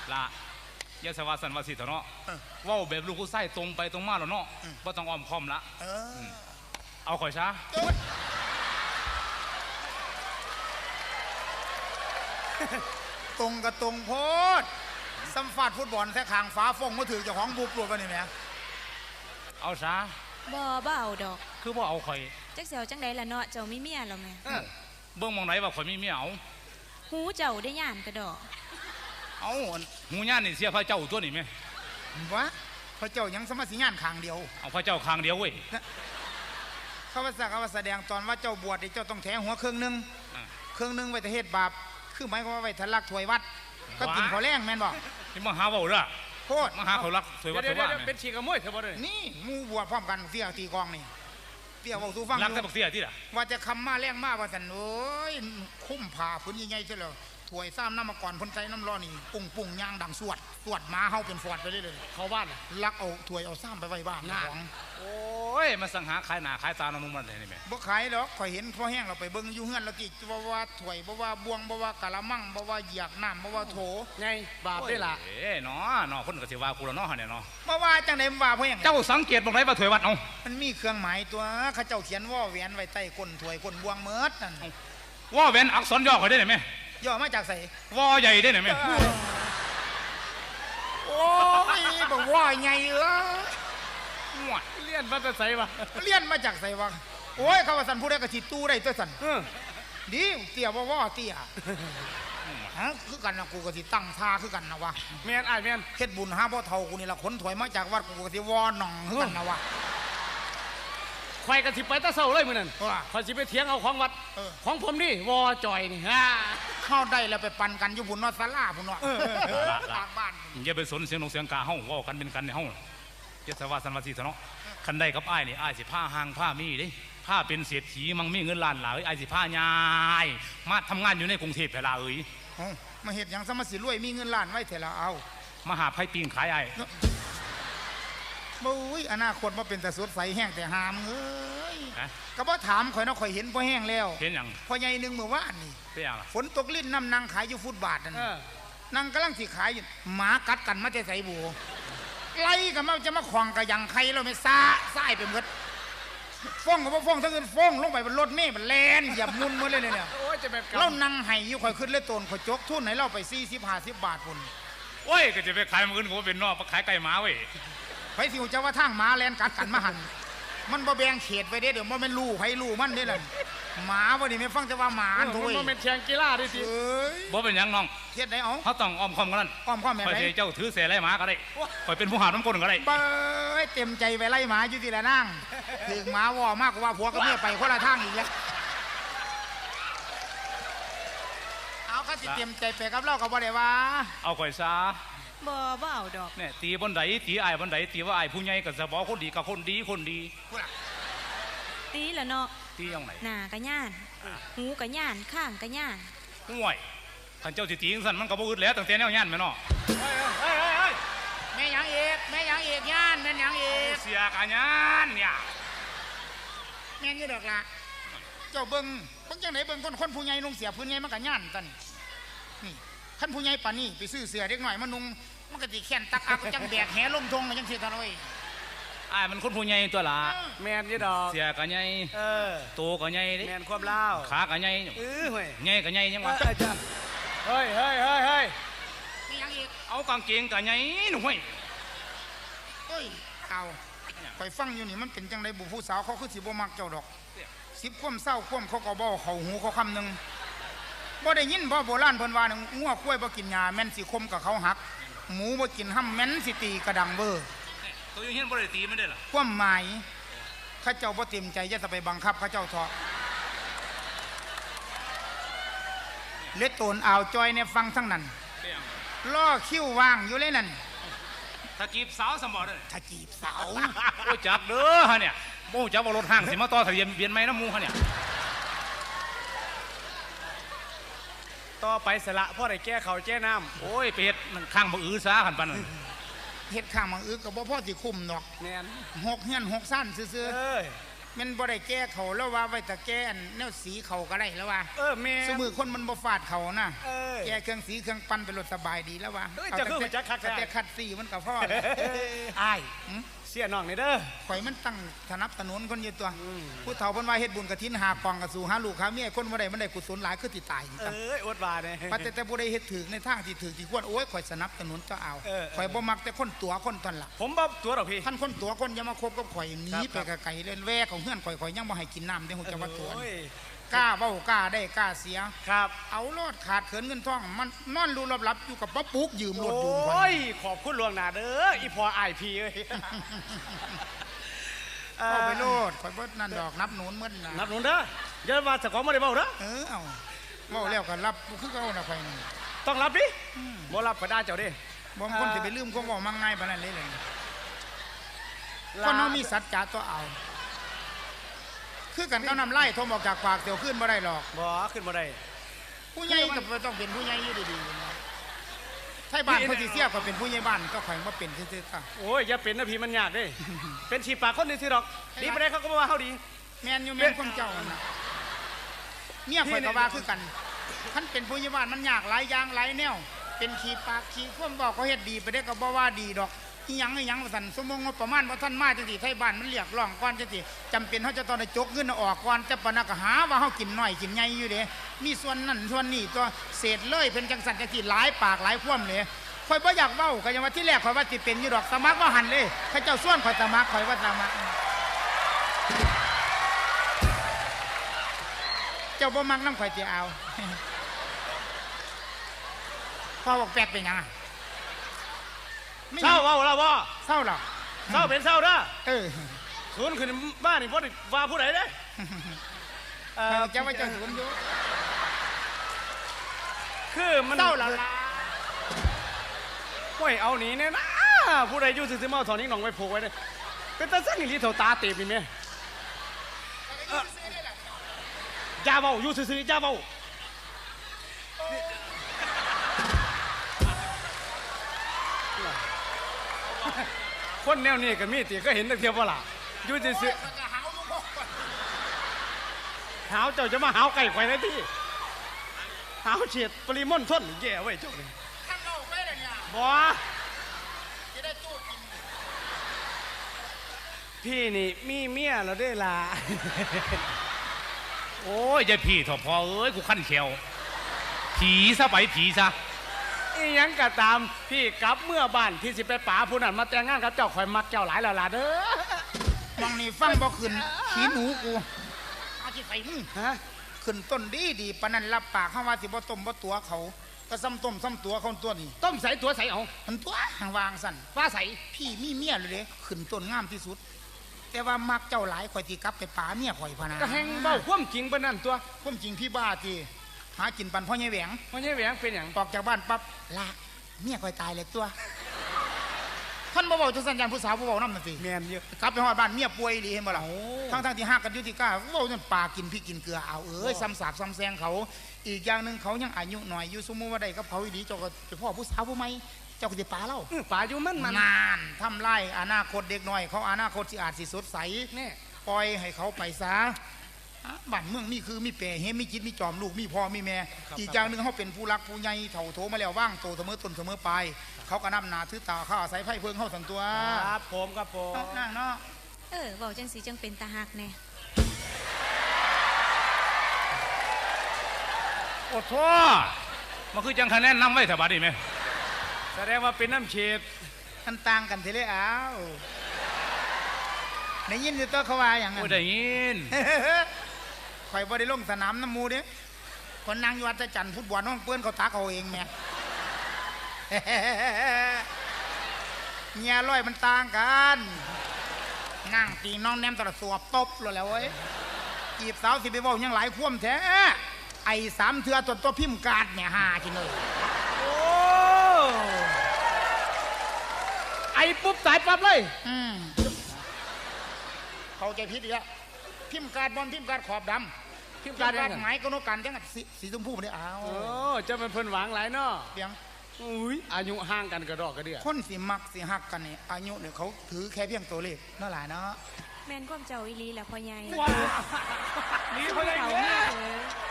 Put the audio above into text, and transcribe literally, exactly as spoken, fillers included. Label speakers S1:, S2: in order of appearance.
S1: ละยาสวาสันวาสิเถอะเนาะว่าแบบลูกผู้ไส้ตรงไปตรงมาแล้วเนาะว่าต้องอ้อมค้อมละเอาข่อยช้า
S2: ตรงกับตรงโพดสัมฟาดฟุตบอลแท้ขางฟ้าฟงมาถือเจ้าของบูปลวดไปนี่แหม
S1: เอาช้า
S3: บ่บ่เอาดอก
S1: คือบ่เอาข่อย
S3: จักเสียวจังใดล่ะเนาะเจ้ามีเมียแล้วแม่
S1: เบิ่งมองไหนว่าข่อยมีเมียเอา
S3: หูเจ้าได้ย่านกระดอก
S1: เอาหูย่านนี่เสียพระเจ้าตัวนี่ไหม
S2: วะพระเจ้ายังสมัสิงานขางเดียว
S1: เอาพระเจ้าขางเดียวเว้ย
S2: เขาว่าเขาว่าแสดงตอนว่าเจ้าบวชเจ้าต้องแถหัวเครื่องนึงเครื่องนึงไว้แต่เหตุบาปคือหมายความว่าไว้ทะลักถวยวัดก็กินขอแรงแม่นบอก
S1: ที่มาหาเบาเด้อ
S2: โคตร
S1: มาหาเขารักถวยวัดถวยว่า
S4: เป็นชีกระมวยเถอะบ่ได้
S2: นี่มูบวชพร้อมกันเสียตีกองนี่เสียบอกสู้ฟัง
S1: รักแต่บักเสียที่ล่ะ
S2: ว่าจะคำมาแรงมาว่าสันโอ้ยคุ้มผ่าพื้นใหญ่ๆใช่แล้วถวยซ้ำน้ำมาก่อนพ้นใจน้ำร้อนนี่ปุ่งปุ่งยางดังสวดสวดมาเฮาเป็นฟอดไปเลยเลย
S4: เขาบ้าน
S2: ลักเอาถวยเอาซ้ำไปไว้บ้านของ
S1: โอ้ยมาสังหาขายหนาขายตาน้ำมันเลยนี่แม่
S2: บ่ขายหรอกข่อยเห็นพ่อแห้งเราไปเบิ้งอยู่เฮือนเรากี่บ่ว่าถวยบ่ว่าบวงบ่ว่ากะละมังบ่ว่าเหยียกน้ำบ่ว่าโถ
S4: ไงบาปได้ล่ะ
S1: เอ้เนาะเนาะคนก็สิว่ากูแล้วเนาะเนี่ยเนาะ
S2: บ่ว่าจังได๋ว่าพ่อแห้ง
S1: เจ้าสังเกตบ่ได้ว่าถวยวัดเอา
S2: มันมีเครื่องหมายตัวเขาเจ้าเขียนว่าแหวนไว้ใต้ก้นถวยก้นบวงเมิดนั่น
S1: ว่าแหวนอักษรย่อเขาได้ไหม
S2: ย่อมาจากไส
S1: ว่าใหญ่ได้ไหม
S2: โอ้ยบอกว่าใหญ่เออ
S4: เลี้ยนมาจากไสวะ
S2: เลี้ยนมาจากไสวะโอ้ยเขาว่าสันผู้ใดก็สิตู้ได้ตัวสันดีเตี้ยว่าว่าเตี้ยฮะคือกันนะกูก็สิตั้งท่าคือกันนะวะ
S4: แม่นอ้ายแม่น
S2: เฮ็ดบุญหาพ่อเฒ่ากูนี่ละขนถอยมาจากวัดกูก็สิวอหนองคือกันนะวะ
S4: ไฟกันสิไปตะเศร้าเลยมื้อนั้นขอยสิไปเถียงเอาของวัดของผมนี่วอจอยนี่ฮะ
S2: เข้าได้แล้วไปปั่นกันอยู่บุญนอศาลาพุ่นเนาะทางบ้าน
S1: อย่าไปสนเสียงนกเสียงกาเฮาเว้ากันเป็นกันในเฮาเจ้าสวาสันวาสีเถอะเนาะคันได้กับอ้ายนี่อ้ายสิผ้าห่างผ้ามีเด้ผ้าเป็นเศรษฐีมั่งมีเงินล้านหลายอ้ายสิผ้ายายมาทำงานอยู่ในกรุงเทพเวลาเอ้ย
S2: มาเฮ็ดหยังซะมาสิรวยมีเงินล้านไว้เถอะละเอา
S1: มาหาไผปีงขายอ้าย
S2: บุ้ยอนาคตมาเป็นแต่สดใสแห้งแต่หามเอ้ยก็บ่ถามข่อยเนาะข่อยเห็นพ่อแห้งแล้ว
S1: เห็นหยัง
S2: พ่อใหญ่นึงเมื่อวานนี่
S1: เป็นหยังล่ะ
S2: ฝนตกลิ้นน้ำนางขายอยู่ฟุตบาทนั่นนางกำลังสิขายอยู่หมากัดกันมาแต่ใส่บัวไล่กันมาจะมาขวางกระยังใครเราไม่ซ่าซ่ายไปหมดฟ้องกับว่าฟ้องทั้งอื่นฟ้องลงไปบนรถเมล์มันแลนอย่ามุนมาเลยเนี่ย
S4: โอ้ยจะเป็น
S2: เรานั่งไห้อยู่ข่อยขึ้นเลยโตนข่อยจกทุนไหนเราไปสี่สิบห้าสิบบาทพุ่น
S1: โอ้ยก็จะไปขายมันอื่นก็เป็นนอกมาขายไก่หมาเว้ย
S2: ไปสิวจะว่าทางหมาแลนกัดกันมาหันมันบ่แบ่งเขตไปเด้เดี๋ยวมันเป็นลู่ไผลู่มันได้เลยหมาบ่นี่ไม่ฟังจะว่าหมาอันถุย
S4: มันเป็นแข่งกีฬาดิสิ
S1: บ่เป็นยังน้อง
S2: เฮ็ดได้เอา
S1: เขาต้องอ้อมค้อมกันนั่น
S2: อ้อมค้อมแม่
S1: ไปเจ้าถือเสไล่หมาก็ได้ไปเป็นผู้หาน้ำก้นก็ได้
S2: เบ้ยเต็มใจไปไล่หมาอยู่ที่ละนั่งถึงหมาว่อมากกว่าผัวกับเมียไปคนละทางอีกแล้วเอาก็สิเต็มใจไปกับเราก็บ่ได้ว่า
S1: เอาข่อยซา
S3: บ่บ่เอาดอก
S1: เนี่ยตีบนไหนตีไอ้บนไหนตีว่าไอ้ผู้ใหญ่กับสบอคนดีกับคนดีคนดี
S3: ตีละเนาะ
S1: ตียังไง
S3: หน้ากะย่านหูกะย่านข้างกะย่าน
S1: ห่วยท่านเจ้าสิตีสั่นมันก็บ่อึดแล้วตั้งแต่แนวย่านแม่เนาะ
S2: เฮ้ยเฮ้ยเฮ้ยแม่ยังเอกแม่ยังเอกย่านแม่ยังเอก
S1: เสียกะย่านเนี่ย
S2: แม่นี่ดอกละเจ้าเบิ้งเบิ้งจังไหนเบิ้งคนคนผู้ใหญ่นุ่งเสียผู้ใหญ่มันกะย่านตันนี่ท่านผู้ใหญ่ป่านนี้ไปซื้อเสือเด็กหน่อยมันนุ่งมันก็ติแขนตักอักจังแบกแหลงทงจังเสียทันเลย
S1: ไอ้มันคนผู้ใหญ่ตัวละ
S4: แมนยี่ดอก
S1: เสียกะใหญ่
S4: เออ
S1: โตกะใหญ่ดิ
S4: แมนความเล่า
S1: ขากะใหญ่
S4: เออเฮ้ย
S1: ใหญ่กะใหญ่ยังวะ
S4: เฮ้ยเฮ้ยเฮ้ยเฮ้ย
S2: นี่ยังอีก
S1: เอากางเกงกะใหญ่หนุ่มเฮ้ย
S2: เฮ้ยเอาไปฟังอยู่นี่มันเป็นจังไรบุผู้สาวเขาคือสิบ่มักเจ้าดอกสิบคว่ำเศร้าคว่ำเขาก็บ่เขาหูเขาคำหนึ่งบ่ได้ยินบ่โบราณเพิ่นว่างัวคุ้ยบ่กินหญ้าแม่นสิคมกับเขาหักหมูบ่กินห้ำแม่นสิตีกระดังเบอร์
S1: ตัวยังเห็นบ่ได้ตีไม่ได้หรอ
S2: ความหมายข้าเจ้าบ่เต็มใจจะไปบังคับข้าเจ้าทอเล็ดโตนอ่าวจอยเนี่ยฟังทั้งนั้นล่อคิ้วว่างอยู่เลยนั่น
S1: ถ้าจีบสาวสมบัติ
S2: ถ้าจีบสาว
S1: โอ้จับเด้อฮะเนี่ยโม่จับว่ารถห้างสิมาต่อทะเบียนเบียนไหมน้ำมูฮะเนี่ย
S4: ต่อไปสละพ่อได้แก้เขาแก้น้
S1: ำโอ้ยเป็ดข้างบังอื้อซาขันปัน
S2: เฮ็ดข้างบังอื้อกับพ่อพ่อสิคุมดอก
S4: แมน
S2: หกเฮียนหกสั้นซื่อมันบ่ได้แก้เขาแล้วว่าไว้แต่แก้อันแนวสีเขาก็ได้แล้วว่า
S4: เออแม่
S2: สมือคนมันบ่ฟาดเขานะ
S4: เออ
S2: แก้เครื่องสีเครื่องปั้นเป็นรถสบายดีแล้วว่า
S4: เอ้ยจะคือมันจะคัก
S2: แต่คัดสีมันก็พอแล้ว
S4: อ้าย
S2: หืม
S4: เสียน้องนี่เด้อ
S2: ข่อยมันตั้งถนับถนนคนอยู่ตัวผู้เฒ่าเพิ่นว่าเฮ็ดบุญกฐินหากองกระสู่หาลูกหาเมียคนบ่ได้มันได้กุศลหลายคือสิตาย
S4: เอ้ยอดว่าเนี่ย
S2: ปัจแต่บ่ได้เฮ็ดถึกในทางที่ถึกที่ควรโอ้ยข่อยสนับสนุนเจ้าเอา
S4: เออ
S2: ข่อยบ่มักแต่คนตัวคนตอนละ
S4: ผมบ่ตัวดอกพี่
S2: ท่านคนตัวคนอย่ามาคบกับข่อยหนี
S4: ครับ
S2: ไปไกลๆเล่นแวของเฮือนข่อยข่อยยังบ่ให้กินน้ำเด้ฮู้จักว่าตัว
S4: โอ้ย
S2: กล้าเว้ากล้าได้กล้าเสีย
S4: ครับ
S2: เอาโลดขาดเขินเงินทองมันนอนรูหลับๆอยู่กับป้าปุ๊กยืมรถยืมข่
S4: โอ้
S2: อย
S4: ยขอบคุณหลวงหนาเด้ออีพออ้ายพี่เอ้ย
S2: เอาไปโลดข่อยบ่นั่นดอกนับหนุนเหมือนน่ะ
S4: นับหนุนเด้ออย่าว่าเจ้าของบ่ได้เว้าเด้อ
S2: เออเอาเว้าแล้วก็รับคือเก่าน่ะข่อยนี่
S4: ต้องรับดิบ่รับก็ได้เจ้าเด้
S2: บ่มีคนสิไปลืมความเว้ามังง่ายปานนั้นเลยเลยคนเฮามีสัจจะตัวเอา คือกันเขานำไล่ทมออกจากปากเตียวขึ้นบ่ได้หรอก
S4: บ่ขึ้นบ่ได้
S2: ผู้ใหญ่ก็ต้องเป็นผู้ใหญ่อยู่ดีๆนะไทยบ้านเขาสิเสียก็เป็นผู้ใหญ่บ้านก็ข่อยบ่เป็นซื่อๆค่ะ
S4: โอ้ยอย่าเป็นนะพี่มันยากเด้ เป็นฉีดปากคนนี่สิดอกดีบ่ได้เขาก็บ่ว่าเฮาดี
S2: แม่นอยู่แม่นคนเจ้าน่ะเมียข่อยก็ว่าคือกันคันเป็นผู้ใหญ่บ้านมันยากหลายอย่างหลายแนวเป็นขี้ปากขี้ความบอกเขาเฮ็ดดีไปได้ก็บ่ว่าดีดอกอีหยังอีหยังว่าซั่นสมมุติงบประมาณบ่ทันมาจังซี่ไทยบ้านมันเรียกร้องก่อนจังซี่จำเป็นเฮาจะต้องได้จกเงินออกก่อนจะปะนะก็หาว่าเฮากินน้อยกินใหญ่อยู่เด้มีส่วนนั้นส่วนนี้ตัวเศษเลยเป็นจังซั่นจังซี่หลายปากหลายความเลยข่อยบ่อยากเว้าก็ยังว่าที่แรกข่อยว่าสิเป็นอยู่ดอกสมัครบ่หันเลยเขาเจ้าส่วนข่อยสมัครข่อยว่าสมัครเจ้าบ่มักนำข่อยสิเอา พ่อบอกแปลกเป็นหยังอะ
S4: เศร้าเว้าแล้วบ่
S2: เศร้าหรอ
S4: เศร้าเป็นเศร้าเด้อ
S2: เออ
S4: ศูนย์ขึ้นบ้านนี่บ่ได้ว่าผู้ใดเด้เอ่อ
S2: เจ้าว่าเจ้าสวนอยู่
S4: คือมัน
S2: เศร้าหรอล่ะ
S4: โอ้ยเอาหนีเนี่ยนะผู้ใดอยู่ซื่อๆมาเอาถอนนิ้งหนองไว้ผูกไว้เด้เป็นตาสั่งอีหลีเท่าตาเต็มนี่แม่เอ่ออย่าเว้าอยู่ซื่อๆอย่าเว้าคนแนวนี้ก็มีติก็เห็นแต่เทียบว่าล่ะอยู่ซื่อๆหาวเจ้าจะมาหาวไก่ไข่ได้ที่หาวเฉียดปริมณฑลแย่ไว้เจ้านี่
S2: ท่านเอาไปเลยเนี่ย
S4: บ่
S2: จะได้จูดกิน
S4: พี่นี่มีเมียแล้วได้ล่ะ
S1: โอ้ยอย่าพี่เถอะพอเอ้ยกูขั้นเขียวผีซะไปผีซะ
S4: อีหยังก็ตามพี่กลับเมื่อบ้านพี่สิไปป๋าผู้นั้นมาแต่งงานกับเจ้าข่อยมักเจ้าหลายแล้วล่ะเด้อ
S2: มองนี่ฟังบ่ขึ้นขี้หนูกูอาจิใส่มึง
S4: ฮะ
S2: ขึ้นต้นดีดีปานนั้นรับปากเขาว่าสิบ่ต้มบ่ตัวเขาก็ซ้ำต้มซ้ำตัวเขาตัวนี้
S4: ต้มใส่ตัวใส่เอา
S2: มันตัวห่างวางสั่น
S4: ฟ้าใส่
S2: พี่มีเมียเลยเด้ขึ้นต้นงามที่สุด แต่ว่ามักเจ้าหลายข่อยสิกลับไปป่าเมียข่อยพะนะ
S4: ก็แหงเบ้าความจริงปานนั้นตัว
S2: ความจริงพี่บ้าจีหากินปันพ่อใหญ่แหวง
S4: มันยังแหวงเป็นหยัง
S2: ออกจากบ้านปั๊บละเมียข่อยตายเลยตัวท่านบ่บอกจังสัญญาณผู้สาวบ่บอกนำนั่นสิ
S4: แม่นเยอะ
S2: กลับไปฮอดบ้านเมียป่วยดีเห็นบ่ล่ะ
S4: โอ้
S2: ทั้งทั้งๆที่ฮักกันอยู่ที่ก้าเว้าจนปลากินพี่กินเกลือเอาเอ้ย
S4: โอ้
S2: ซ้ำสาบซ้ำแซงเขา อีกอย่างหนึงเขายังอายุหน่อยอยู่สมมุติว่าได้กับเขาอีดีเจ้าก็ไปพ่อผู้สาวผู้ใหม่เจ้าก็สิปาเล่า
S4: อื้อป๋าอยู่มันมัน
S2: นานทำลายอนาคตเด็กน้อย เขาอนาคตสิอาจสิสดใส
S4: นี่
S2: ปล่อยให้เขาไปซะอ่ะบ้านเมืองนี่คือมีแปรเฮมีจิตมีจอมลูกมีพ่อมีแม่ อีกอย่างหนึ่งเขาเป็นผู้รักผู้ใหญ่เถ่าโถมาแล้วว่างโตเสมอต้นเสมอปลายเขาก็นำหนาถือตาเขาอาศัยไพ่เพิงเข้าสันตัว
S4: ครับผมครับผม
S2: นั่งเนาะ
S3: เออเว้าจังสีจังเป็นตาหักแน่
S1: โอ้โทมันคือจังคะแนนนำไว้แถวบ้านนี่ไหม
S4: แสดงว่าเป็นน้ำเฉียด
S2: มันต่างกันทีเลยอ้าวได้ยินอยู่ตัวเขาว่าอย่างนั้
S1: โอ้
S2: น
S1: ยได้ยิน
S2: ข่อยบ่ได้ลงสนามน้ำมูเด้คนนางอยู่วัดจันทร์ฟุตบอลน้องเปื้อนเขาตักเอาเองแม่ เงียร้อยมันต่างกันนั่งตีน้องแนมตลอดสวบตบเลยแหล้วเว้ยจีบสาวสิไปเว้ายังหลายคว่ำแท้ไอ้สามเถื่อตัวตัวพิมพ์การ์ดเนี่ยหาจิเลย
S4: โอ้ไอ้ปุ๊บตายปั๊บเลย
S2: อืมเข้าใจผิดอีกแล้วพิมพ์การ์ดบอลพิมพ์การ์ดขอบดำ
S4: พิมพ์
S2: กา
S4: การ
S2: ร
S4: ยัง
S2: ห
S4: ไง
S2: มายก็นกกันจังสีสีชมพูเนี่ยอ้าว
S4: โอ้เจะเป็นเพิ่นหวังหลายเนาะ
S2: เพียง
S4: อุ้ยอายุห่างกันกระดอกกระเดื่อ
S2: คนสิมักสิหักกันเนี่ยอายุเนี่ยเขาถือแค่เพียงตัวเลขนั่นแหละเนาะ
S3: แม่นความเจ้าอีหลีแหละพ่อใหญ่
S4: ว้าหนีเขาได้
S3: เขา
S4: เด้
S3: แม่
S4: อ
S3: เอ๋ย